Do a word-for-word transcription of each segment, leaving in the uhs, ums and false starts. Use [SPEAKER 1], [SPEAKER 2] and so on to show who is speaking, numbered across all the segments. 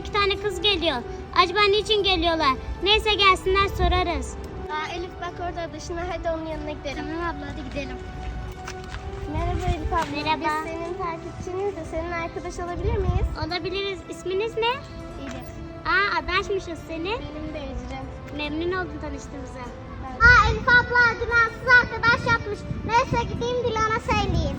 [SPEAKER 1] iki tane kız geliyor. Acaba niçin geliyorlar? Neyse gelsinler sorarız.
[SPEAKER 2] Aa, Elif bak orada dışına, hadi onun yanına gidelim.
[SPEAKER 1] Tamam abla hadi gidelim.
[SPEAKER 2] Merhaba Elif abla.
[SPEAKER 1] Merhaba.
[SPEAKER 2] Biz senin takipçiniz de senin arkadaş olabilir miyiz?
[SPEAKER 1] Olabiliriz. İsminiz ne?
[SPEAKER 2] Elif.
[SPEAKER 1] Aa adaşmışız seni.
[SPEAKER 2] Benim de Ecrin.
[SPEAKER 1] Memnun oldum tanıştığımıza.
[SPEAKER 2] Aa Elif abla Dilansız arkadaş yapmış. Neyse gideyim Dilan'a söyleyeyim.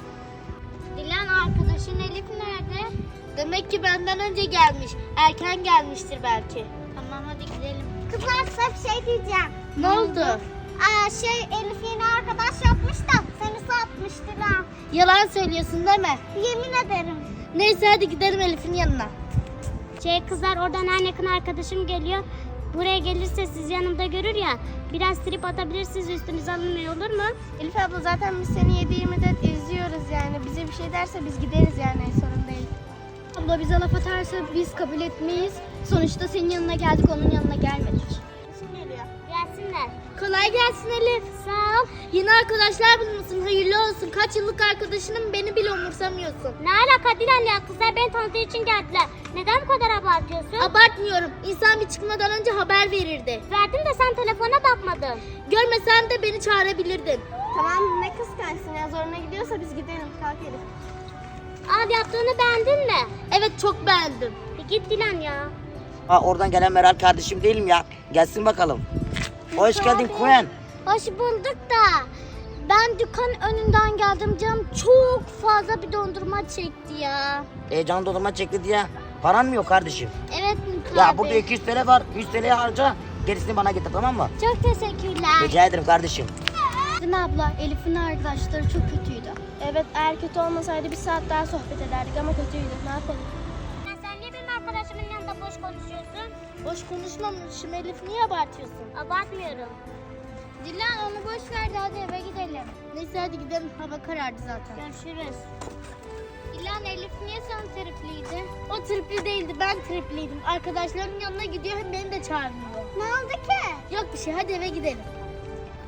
[SPEAKER 1] Dilan arkadaşın Elif nerede?
[SPEAKER 2] Demek ki benden önce gelmiş. Erken gelmiştir belki.
[SPEAKER 1] Tamam hadi gidelim.
[SPEAKER 2] Kızlar size bir şey diyeceğim.
[SPEAKER 1] Ne oldu?
[SPEAKER 2] Aa, şey Elif yeni arkadaş yapmış da seni satmış Dilan.
[SPEAKER 1] Yalan söylüyorsun değil mi?
[SPEAKER 2] Yemin ederim.
[SPEAKER 1] Neyse hadi gidelim Elif'in yanına. Şey kızlar oradan en yakın arkadaşım geliyor. Buraya gelirse siz yanımda görür ya. Biraz trip atabilirsiniz, üstünüze alınmıyor olur mu?
[SPEAKER 2] Elif abla zaten biz seni yedi yirmi dört izliyoruz yani. Bize bir şey derse biz gideriz yani, sorun değil.
[SPEAKER 1] Abla bize laf atarsa biz kabul etmeyiz. Sonuçta senin yanına geldik, onun yanına gelmedik.
[SPEAKER 2] Kim geliyor?
[SPEAKER 1] Gelsinler. Kolay gelsin Elif. Sağ ol. Yeni arkadaşlar bulmuşsun. Hayırlı olsun. Kaç yıllık arkadaşınım, beni bile umursamıyorsun. Ne alaka Dilan ya? Kızlar beni tanıdığı için geldiler. Neden bu kadar abartıyorsun? Abartmıyorum. İnsan bir çıkmadan önce haber verirdi. Verdim de sen telefona bakmadın. Görmesen de beni çağırabilirdin.
[SPEAKER 2] Tamam, ne kıskançsın ya, zoruna gidiyorsa biz gidelim. Kalk Elif.
[SPEAKER 1] Abi yaptığını beğendin mi? Evet çok beğendim. E git Dilan ya.
[SPEAKER 3] Ha, oradan gelen Meral kardeşim değilim ya. Gelsin bakalım. Hoş geldin Kuyen.
[SPEAKER 1] Hoş bulduk da ben dükkan önünden geldim, canım çok fazla bir dondurma çekti ya.
[SPEAKER 3] E, can dondurma çekti diye. Paran mı yok kardeşim?
[SPEAKER 1] Evet Mikael
[SPEAKER 3] Ya burada
[SPEAKER 1] Bey.
[SPEAKER 3] iki yüz TL var. yüz TL'ye harca. Gerisini bana getir, tamam mı?
[SPEAKER 1] Çok teşekkürler.
[SPEAKER 3] Rica ederim kardeşim.
[SPEAKER 1] Değil mi abla? Elif'in arkadaşları çok kötüydü.
[SPEAKER 2] Evet, eğer kötü olmasaydı bir saat daha sohbet ederdik ama kötüydü. Ne yapalım?
[SPEAKER 1] Ya sen niye benim arkadaşımın yanında boş konuşuyorsun? Boş konuşmamışım Elif, niye abartıyorsun? Abartmıyorum. Dilan onu boş ver de hadi eve gidelim. Neyse hadi gidelim, hava karardı zaten. Görüşürüz. Dilan Elif niye sen tripliydi? O tripli değildi, ben tripliydim. Arkadaşlarımın yanına gidiyor, hem beni de çağırmıyor.
[SPEAKER 2] Ne oldu ki?
[SPEAKER 1] Yok bir şey, hadi eve gidelim.